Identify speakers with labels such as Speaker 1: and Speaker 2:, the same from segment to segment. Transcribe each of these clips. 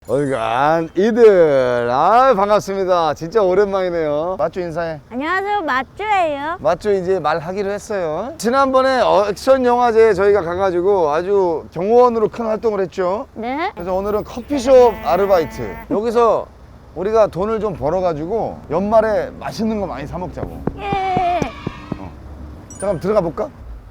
Speaker 1: 얼간 이들 반갑습니다. 진짜 오랜만이네요. 맞죠? 인사해.
Speaker 2: 안녕하세요, 맞주예요.
Speaker 1: 맞죠? 이제 말하기로 했어요. 지난번에 액션 영화제에 저희가 가가지고 아주 경호원으로 큰 활동을 했죠.
Speaker 2: 네.
Speaker 1: 그래서 오늘은 커피숍 아르바이트. 여기서 우리가 돈을 좀 벌어가지고 연말에 맛있는 거 많이 사 먹자고.
Speaker 2: 예.
Speaker 1: 잠깐 들어가 볼까?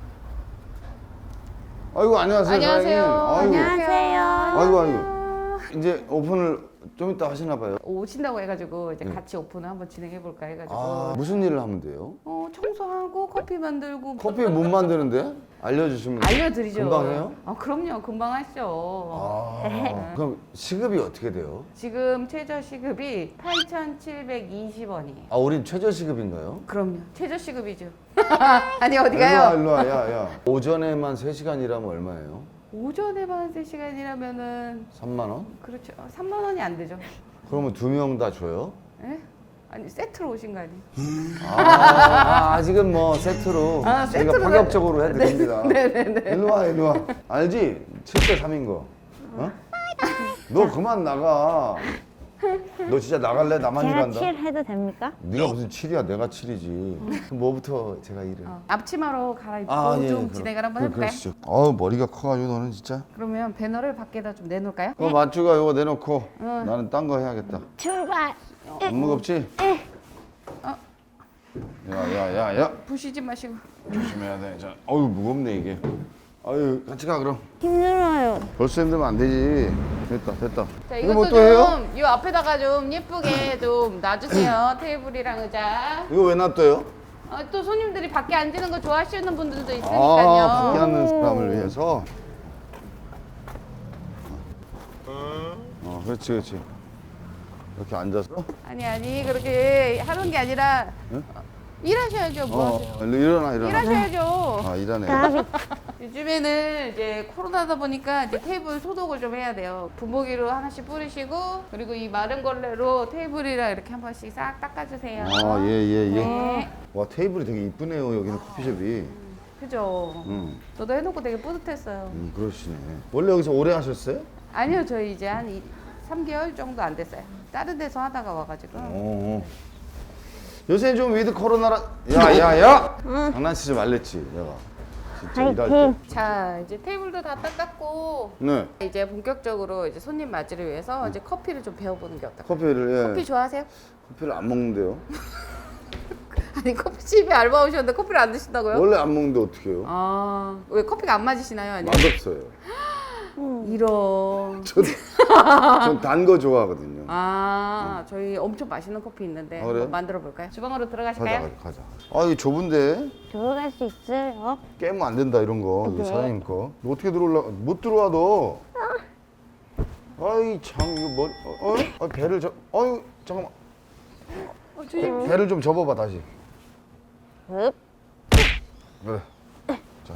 Speaker 1: 아이고 안녕하세요.
Speaker 3: 안녕하세요.
Speaker 1: 사장님. 아이고.
Speaker 2: 안녕하세요.
Speaker 1: 아이고. 이제 오픈을 좀 이따 하시나 봐요.
Speaker 3: 오신다고 해가지고 이제 같이 오픈을 한번 진행해 볼까 해가지고
Speaker 1: 무슨 일을 하면 돼요?
Speaker 3: 청소하고 커피 만들고
Speaker 1: 커피 못 만드는데? 알려주시면
Speaker 3: 알려드리죠.
Speaker 1: 금방 해요?
Speaker 3: 그럼요, 금방 하시죠.
Speaker 1: 그럼 시급이 어떻게 돼요?
Speaker 3: 지금 최저 시급이 8,720원이에요.
Speaker 1: 우린 최저 시급인가요?
Speaker 3: 그럼요, 최저 시급이죠. 아니 어디 가요?
Speaker 1: 일로 와, 야. 오전에만 3시간 일하면 얼마예요?
Speaker 3: 오전에만 3시간이라면은
Speaker 1: 3만 원?
Speaker 3: 그렇죠. 3만 원이 안 되죠.
Speaker 1: 그러면 2명 다 줘요?
Speaker 3: 예? 아니 세트로 오신 거 아니에요?
Speaker 1: 아직은 뭐 세트로 저희가
Speaker 3: 세트로
Speaker 1: 파격적으로 해드립니다.
Speaker 3: 네네네.
Speaker 1: 일로 와. 알지? 7대 3인 거. 어? 너 그만 나가. 너 진짜 나갈래? 나만
Speaker 2: 제가
Speaker 1: 일한다?
Speaker 2: 7 해도 됩니까?
Speaker 1: 네가 무슨 7이야? 내가 7이지. 그럼 뭐부터 제가 일을?
Speaker 3: 앞치마로 갈아입고
Speaker 1: 예,
Speaker 3: 좀
Speaker 1: 그럼.
Speaker 3: 진행을 한번 해볼까요?
Speaker 1: 그러시죠. 머리가 커가지고 너는 진짜.
Speaker 3: 그러면 배너를 밖에다 좀 내놓을까요?
Speaker 1: 그거 맞주가 이거 내놓고 나는 딴 거 해야겠다.
Speaker 2: 출발.
Speaker 1: 안 무겁지? 야.
Speaker 3: 부시지 마시고.
Speaker 1: 조심해야 돼. 자, 어유 무겁네 이게. 아유 같이 가 그럼.
Speaker 2: 힘들어요.
Speaker 1: 벌써 힘들면 안 되지. 됐다.
Speaker 3: 자,
Speaker 1: 이거
Speaker 3: 이것도
Speaker 1: 뭐 또 해요?
Speaker 3: 이 앞에다가 좀 예쁘게 좀 놔주세요. 테이블이랑 의자.
Speaker 1: 이거 왜 놔둬요?
Speaker 3: 또 손님들이 밖에 앉는 거 좋아하시는 분들도
Speaker 1: 밖에
Speaker 3: 있으니까요.
Speaker 1: 앉는 사람을 위해서. 그렇지. 이렇게 앉아서.
Speaker 3: 아니 그렇게 하는 게 아니라 일하셔야죠. 뭐 하세요?
Speaker 1: 일어나.
Speaker 3: 일하셔야죠.
Speaker 1: 일하네.
Speaker 3: 요즘에는 이제 코로나다 보니까 이제 테이블 소독을 좀 해야 돼요. 분무기로 하나씩 뿌리시고 그리고 이 마른 걸레로 테이블이랑 이렇게 한 번씩 싹 닦아주세요.
Speaker 1: 예.
Speaker 3: 네.
Speaker 1: 와 테이블이 되게 이쁘네요 여기는 커피숍이.
Speaker 3: 그죠. 저도 해놓고 되게 뿌듯했어요.
Speaker 1: 그러시네. 원래 여기서 오래 하셨어요?
Speaker 3: 아니요, 저희 이제 한 3개월 정도 안 됐어요. 다른 데서 하다가 와가지고.
Speaker 1: 요새 좀 위드 코로나라. 야. 장난치지 말랬지 내가. 진짜 일할 때.
Speaker 2: 파이팅.
Speaker 3: 자, 이제 테이블도 다 닦았고
Speaker 1: 네.
Speaker 3: 이제 본격적으로 이제 손님 맞이를 위해서 이제 커피를 좀 배워보는 게 어떨까요?
Speaker 1: 커피를
Speaker 3: 커피 좋아하세요?
Speaker 1: 커피를 안 먹는데요.
Speaker 3: 아니 커피집에 알바 오셨는데 커피를 안 드신다고요?
Speaker 1: 원래 안 먹는데 어떻게 해요?
Speaker 3: 왜 커피가 안 맞으시나요? 아니면
Speaker 1: 맛없어요.
Speaker 3: 이런.
Speaker 1: 전 단 거 좋아하거든요.
Speaker 3: 저희 엄청 맛있는 커피 있는데
Speaker 1: 그래요?
Speaker 3: 한번 만들어 볼까요? 주방으로 들어가실까요?
Speaker 1: 가자. 이거 좁은데
Speaker 2: 들어갈 수 있어요?
Speaker 1: 깨면 안 된다 이런 거. 이거 사장님 거. 너 어떻게 들어올라? 못 들어와 너. 아이 참 이거 머리. 배를 잠깐만. 배를 좀 접어봐 다시.
Speaker 2: 흡.
Speaker 1: 그래. 자,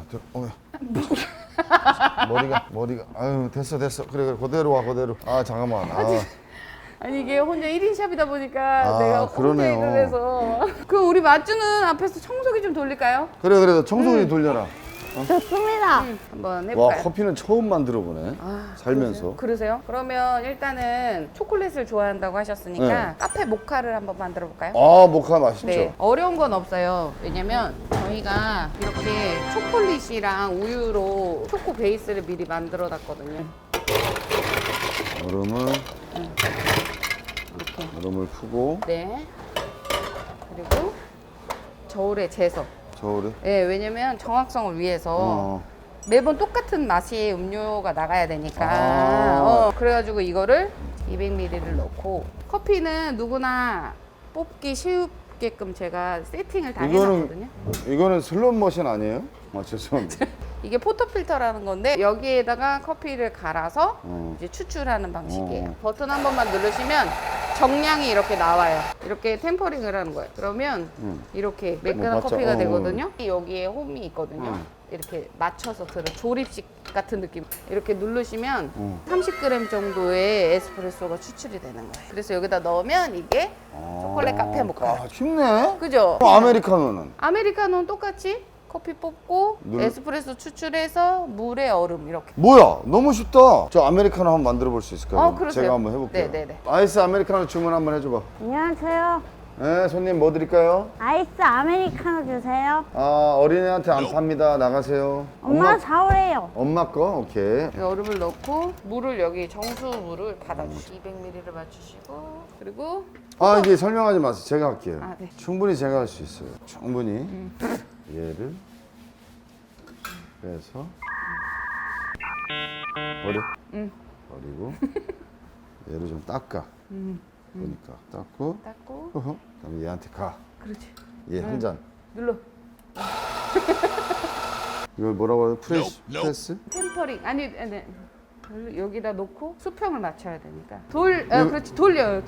Speaker 1: 머리가. 아유, 됐어. 그래, 그대로 와, 그대로. 잠깐만.
Speaker 3: 아니 이게 혼자 1인 샵이다 보니까 내가 혼자
Speaker 1: 그러네요.
Speaker 3: 일을 해서 우리 맛주는 앞에서 청소기 좀 돌릴까요?
Speaker 1: 그래, 청소기 돌려라.
Speaker 2: 좋습니다.
Speaker 3: 한번
Speaker 1: 와,
Speaker 3: 해볼까요?
Speaker 1: 커피는 처음 만들어 보네. 살면서.
Speaker 3: 그러세요? 그러면 일단은 초콜릿을 좋아한다고 하셨으니까
Speaker 1: 네.
Speaker 3: 카페 모카를 한번 만들어 볼까요?
Speaker 1: 모카 맛있죠?
Speaker 3: 네, 어려운 건 없어요. 왜냐면 저희가 이렇게 초콜릿이랑 우유로 초코 베이스를 미리 만들어 놨거든요.
Speaker 1: 얼음을
Speaker 3: 이렇게.
Speaker 1: 얼음을 푸고
Speaker 3: 네. 그리고 저울에 재서.
Speaker 1: 저울에.
Speaker 3: 네, 왜냐면 정확성을 위해서 매번 똑같은 맛이 음료가 나가야 되니까. 그래가지고 이거를 200ml를 넣고 커피는 누구나 뽑기 쉽게끔 제가 세팅을 다 해놨거든요.
Speaker 1: 이거는 슬롯 머신 아니에요? 죄송합니다.
Speaker 3: 이게 포터필터라는 건데 여기에다가 커피를 갈아서
Speaker 1: 어.
Speaker 3: 이제 추출하는 방식이에요. 버튼 한 번만 누르시면 정량이 이렇게 나와요. 이렇게 템퍼링을 하는 거예요. 그러면 이렇게 매끈한
Speaker 1: 맞죠?
Speaker 3: 커피가 되거든요. 여기에 홈이 있거든요.
Speaker 1: 어.
Speaker 3: 이렇게 맞춰서 들은 조립식 같은 느낌. 이렇게 누르시면 30g 정도의 에스프레소가 추출이 되는 거예요. 그래서 여기다 넣으면 이게 초콜릿 카페 모카.
Speaker 1: 쉽네.
Speaker 3: 그죠?
Speaker 1: 아메리카노는?
Speaker 3: 아메리카노는 똑같이 커피 뽑고 에스프레소 추출해서 물에 얼음 이렇게.
Speaker 1: 뭐야? 너무 쉽다. 저 아메리카노 한번 만들어 볼 수 있을까요?
Speaker 3: 그러세요.
Speaker 1: 제가 한번 해볼게요.
Speaker 3: 네네네.
Speaker 1: 아이스 아메리카노 주문 한번 해줘봐.
Speaker 2: 안녕하세요.
Speaker 1: 네, 손님 뭐 드릴까요?
Speaker 2: 아이스 아메리카노 주세요.
Speaker 1: 아, 어린애한테 안 팝니다. 나가세요.
Speaker 2: 엄마가 사오래요.
Speaker 1: 엄마 거? 오케이.
Speaker 3: 얼음을 넣고 물을 여기 정수 물을 받아주시고 200ml를 맞추시고 그리고
Speaker 1: 아, 이게 설명하지 마세요. 제가 할게요.
Speaker 3: 아, 네.
Speaker 1: 충분히 제가 할 수 있어요. 충분히. 얘를 빼서 버려. 버리고 얘를 좀 닦아. 보니까 닦고.
Speaker 3: 닦고
Speaker 1: 그다음에 얘한테 가.
Speaker 3: 그렇지.
Speaker 1: 얘 한 잔.
Speaker 3: 눌러.
Speaker 1: 이걸 뭐라고 해요? 프레스?
Speaker 3: 템퍼링 아니 여기다 놓고 수평을 맞춰야 되니까 그렇지 돌려요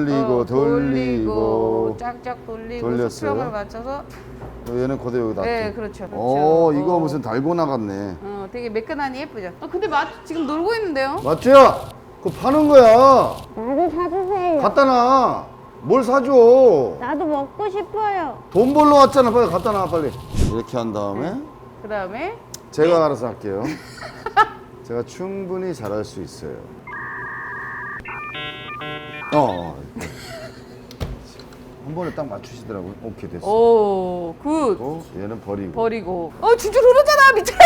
Speaker 1: 돌리고
Speaker 3: 쫙쫙 돌리고
Speaker 1: 돌렸어요.
Speaker 3: 수평을 맞춰서
Speaker 1: 얘는 그대로 여기 놔둬.
Speaker 3: 네 그렇죠.
Speaker 1: 이거 무슨 달고나 같네.
Speaker 3: 되게 매끈하니 예쁘죠. 근데 지금 놀고 있는데요.
Speaker 1: 맞지야? 그거 파는 거야.
Speaker 2: 나도 사주세요.
Speaker 1: 갖다 놔. 뭘 사줘?
Speaker 2: 나도 먹고 싶어요.
Speaker 1: 돈 벌러 왔잖아. 빨리 갖다 놔 빨리. 이렇게 한 다음에
Speaker 3: 그 다음에
Speaker 1: 제가 알아서 할게요. 제가 충분히 잘할 수 있어요. 한 번에 딱 맞추시더라고요. 오케이 됐어.
Speaker 3: 오굿
Speaker 1: 얘는 버리고.
Speaker 3: 버리고 진짜 흐르잖아 밑에.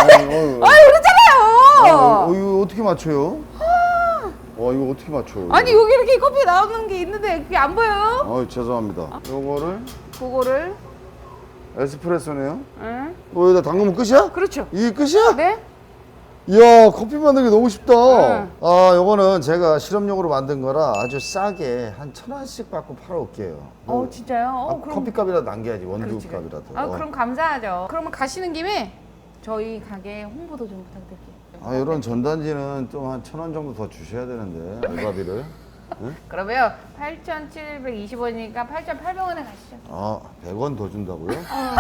Speaker 3: 흐르잖아요.
Speaker 1: 이거 어떻게 맞춰요? 이거 어떻게 맞춰요?
Speaker 3: 아니 여기 이렇게 커피 나오는 게 있는데 그게 안 보여요?
Speaker 1: 죄송합니다. 요거를
Speaker 3: 그거를
Speaker 1: 에스프레소네요.
Speaker 3: 응?
Speaker 1: 여기다 담그면 끝이야?
Speaker 3: 그렇죠.
Speaker 1: 이게 끝이야?
Speaker 3: 네?
Speaker 1: 이야, 커피 만들기 너무 쉽다.
Speaker 3: 응.
Speaker 1: 요거는 제가 실험용으로 만든 거라 아주 싸게 한 1,000원씩 받고 팔아올게요.
Speaker 3: 진짜요? 그럼
Speaker 1: 커피값이라도 남겨야지,
Speaker 3: 그렇지.
Speaker 1: 원두값이라도.
Speaker 3: 그럼 감사하죠. 그러면 가시는 김에 저희 가게 홍보도 좀 부탁드릴게요.
Speaker 1: 이런 전단지는 좀 한 1,000원 정도 더 주셔야 되는데, 알바비를. 응?
Speaker 3: 그러면 8,720원이니까 8,800원에 가시죠.
Speaker 1: 100원 더 준다고요?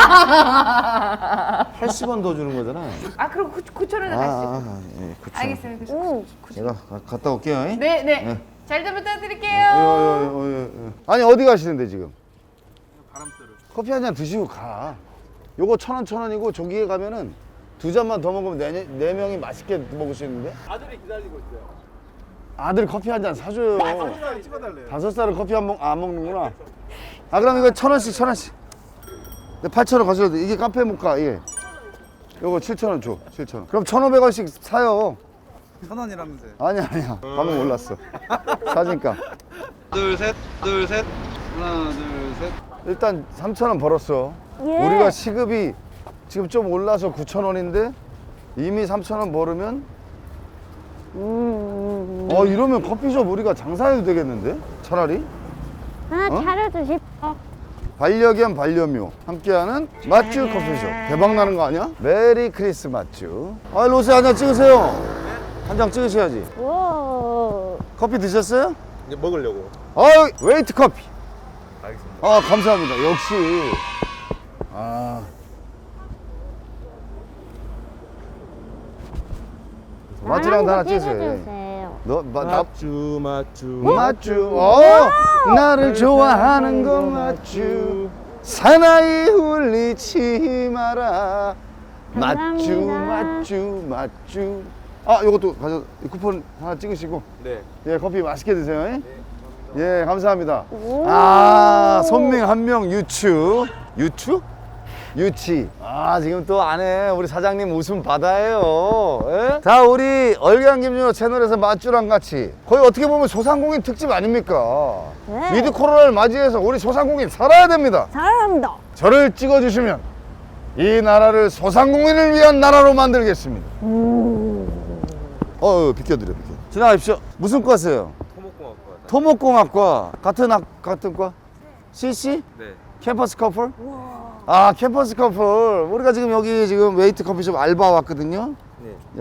Speaker 1: 80원 더 주는 거잖아.
Speaker 3: 그럼 9,000원에 가시죠.
Speaker 1: 예, 그쵸.
Speaker 3: 알겠습니다.
Speaker 1: 제가 갔다 올게요. 잉?
Speaker 3: 네. 잘 좀 부탁드릴게요.
Speaker 1: 아니, 어디 가시는데, 지금? 커피 한 잔 드시고 가. 요거 1,000원, 저기에 가면은 2잔만 더 먹으면 네 명이 맛있게 먹을 수 있는데?
Speaker 4: 아들이 기다리고 있어요.
Speaker 1: 아들 커피 한 잔 사줘요.
Speaker 4: 5살 찍어달래요.
Speaker 1: 5살은 커피 안 먹는구나. 그럼 이거 1,000원씩. 8,000원 가셔도 돼. 이게 카페 모카, 이게. 요거 7,000원 줘, 7,000원. 그럼 1,500원씩 사요.
Speaker 4: 1,000원이라면서요.
Speaker 1: 아니야. 방금 몰랐어. 사진값.
Speaker 4: 둘, 셋. 하나, 둘, 셋.
Speaker 1: 일단 3,000원 벌었어.
Speaker 2: 예.
Speaker 1: 우리가 시급이 지금 좀 올라서 9,000원인데 이미 3,000원 벌으면 이러면 커피숍 우리가 장사해도 되겠는데? 차라리?
Speaker 2: 하나 차려주십시오.
Speaker 1: 반려견 반려묘 함께하는 맛주 커피숍 대박 나는 거 아니야? 메리 크리스마스. 로세 한 잔 찍으세요. 한 잔 찍으셔야지.
Speaker 2: 오.
Speaker 1: 커피 드셨어요?
Speaker 4: 이제 먹으려고.
Speaker 1: 웨이트 커피.
Speaker 4: 알겠습니다.
Speaker 1: 감사합니다. 역시. 맛주랑 하나 찍으세요.
Speaker 2: 찍어주세요.
Speaker 4: 맞주.
Speaker 1: 나를 좋아하는 건 맞주. 사나이 울리지 마라. 맞주. 요것도 이 쿠폰 하나 찍으시고.
Speaker 4: 네.
Speaker 1: 커피 맛있게 드세요. 예, 감사합니다.
Speaker 2: 오.
Speaker 1: 손님 한 명 유치. 지금 또 안에 우리 사장님 웃음 바다예요. 예? 자, 우리 얼간 김준호 채널에서 맛주랑 같이 거의 어떻게 보면 소상공인 특집 아닙니까?
Speaker 2: 네.
Speaker 1: 위드 코로나를 맞이해서 우리 소상공인 살아야 됩니다.
Speaker 2: 사랑합니다.
Speaker 1: 저를 찍어주시면 이 나라를 소상공인을 위한 나라로 만들겠습니다. 비켜드려. 지나가십시오. 무슨 과세요?
Speaker 4: 토목공학과.
Speaker 1: 토목공학과. 같은 과? CC?
Speaker 4: 네.
Speaker 1: 캠퍼스 커플? 캠퍼스 커플. 우리가 지금 여기 웨이트 커피숍 알바 왔거든요.
Speaker 4: 네.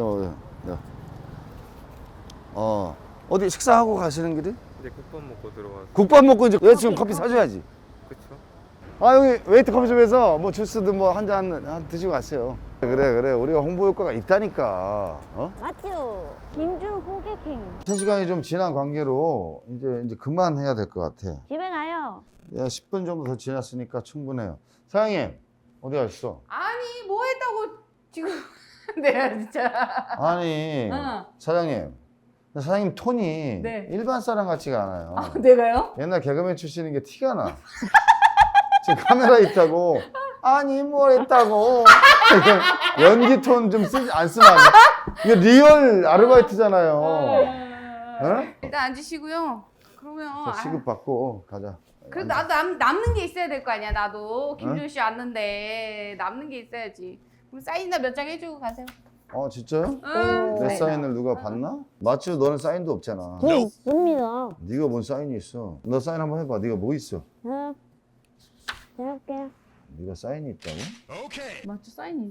Speaker 1: 어디 식사하고 가시는 길이?
Speaker 4: 이제 국밥 먹고 들어가서.
Speaker 1: 국밥 먹고 이제 여자친구 커피 사줘야지.
Speaker 4: 그쵸?
Speaker 1: 여기 웨이트 커피숍에서 뭐 주스든 뭐 한 잔 드시고 가세요. 그래. 우리가 홍보 효과가 있다니까.
Speaker 2: 맞죠? 김준 호객행.
Speaker 1: 3시간이 좀 지난 관계로 이제 그만해야 될 것 같아.
Speaker 2: 집에 가요.
Speaker 1: 10분 정도 더 지났으니까 충분해요. 사장님, 어디 가셨어?
Speaker 3: 아니 뭐해 지금 내가 진짜.
Speaker 1: 아니
Speaker 3: 어.
Speaker 1: 사장님, 톤이
Speaker 3: 네.
Speaker 1: 일반 사람 같지가 않아요.
Speaker 3: 아, 내가요?
Speaker 1: 옛날 개그맨 출신인 게 티가 나. 지금 카메라 있다고. 아니 뭘 했다고. 연기 톤 좀 안 쓰면 안 돼. 이게 리얼 아르바이트잖아요. 어?
Speaker 3: 일단 앉으시고요. 그러면
Speaker 1: 자, 시급 받고 가자.
Speaker 3: 그래 나도 남는 게 있어야 될 거 아니야. 나도 김준 씨 왔는데 남는 게 있어야지. 그럼 사인이나 몇 장 해주고 가세요.
Speaker 1: 진짜요?
Speaker 3: 응.
Speaker 1: 내
Speaker 3: 네.
Speaker 1: 사인을 누가 봤나? 마치 너는 사인도 없잖아.
Speaker 2: 저 있습니다.
Speaker 1: 네가 뭔 사인이 있어? 너 사인 한번 해봐. 네가 뭐 있어?
Speaker 2: 네. 해볼게요.
Speaker 1: 네가 사인이 있다고?
Speaker 3: 맞죠 사인이.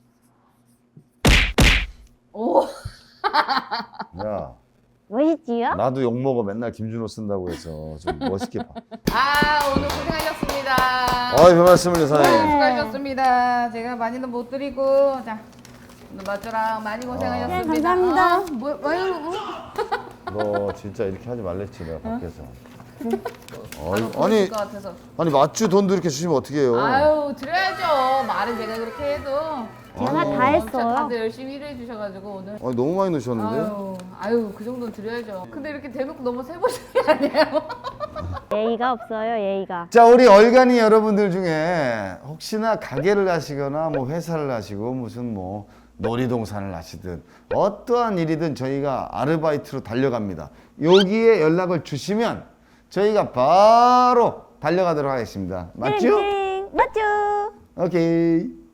Speaker 3: 오.
Speaker 1: 야,
Speaker 2: 멋있지요?
Speaker 1: 나도 욕 먹어. 맨날 김준호 쓴다고 해서 좀 멋있게 봐.
Speaker 3: 오늘 고생하셨습니다.
Speaker 1: 별 말씀을요, 사장님.
Speaker 3: 수고하셨습니다. 제가 많이는 못 드리고 자 오늘 마초랑 많이 고생하셨습니다.
Speaker 2: 네, 감사합니다.
Speaker 3: 뭐요?
Speaker 1: 너 진짜 이렇게 하지 말랬지, 내가 밖에서.
Speaker 3: 아니 것 같아서.
Speaker 1: 아니 맞주 돈도 이렇게 주시면 어떻게 해요?
Speaker 3: 아유 드려야죠. 말은 제가 그렇게 해도.
Speaker 2: 제가 다
Speaker 3: 진짜
Speaker 2: 했어요.
Speaker 3: 다들 열심히 일해 주셔가지고 오늘.
Speaker 1: 아니 너무 많이 넣으셨는데?
Speaker 3: 아유 그 정도는 드려야죠. 근데 이렇게 대놓고 너무 세보시는 게 아니에요?
Speaker 2: 예의가 없어요, 예의가.
Speaker 1: 자, 우리 얼간이 여러분들 중에 혹시나 가게를 하시거나 뭐 회사를 하시고 무슨 뭐 놀이동산을 하시든 어떠한 일이든 저희가 아르바이트로 달려갑니다. 여기에 연락을 주시면 저희가 바로 달려가도록 하겠습니다. 맞죠?
Speaker 2: 맞죠?
Speaker 1: 오케이.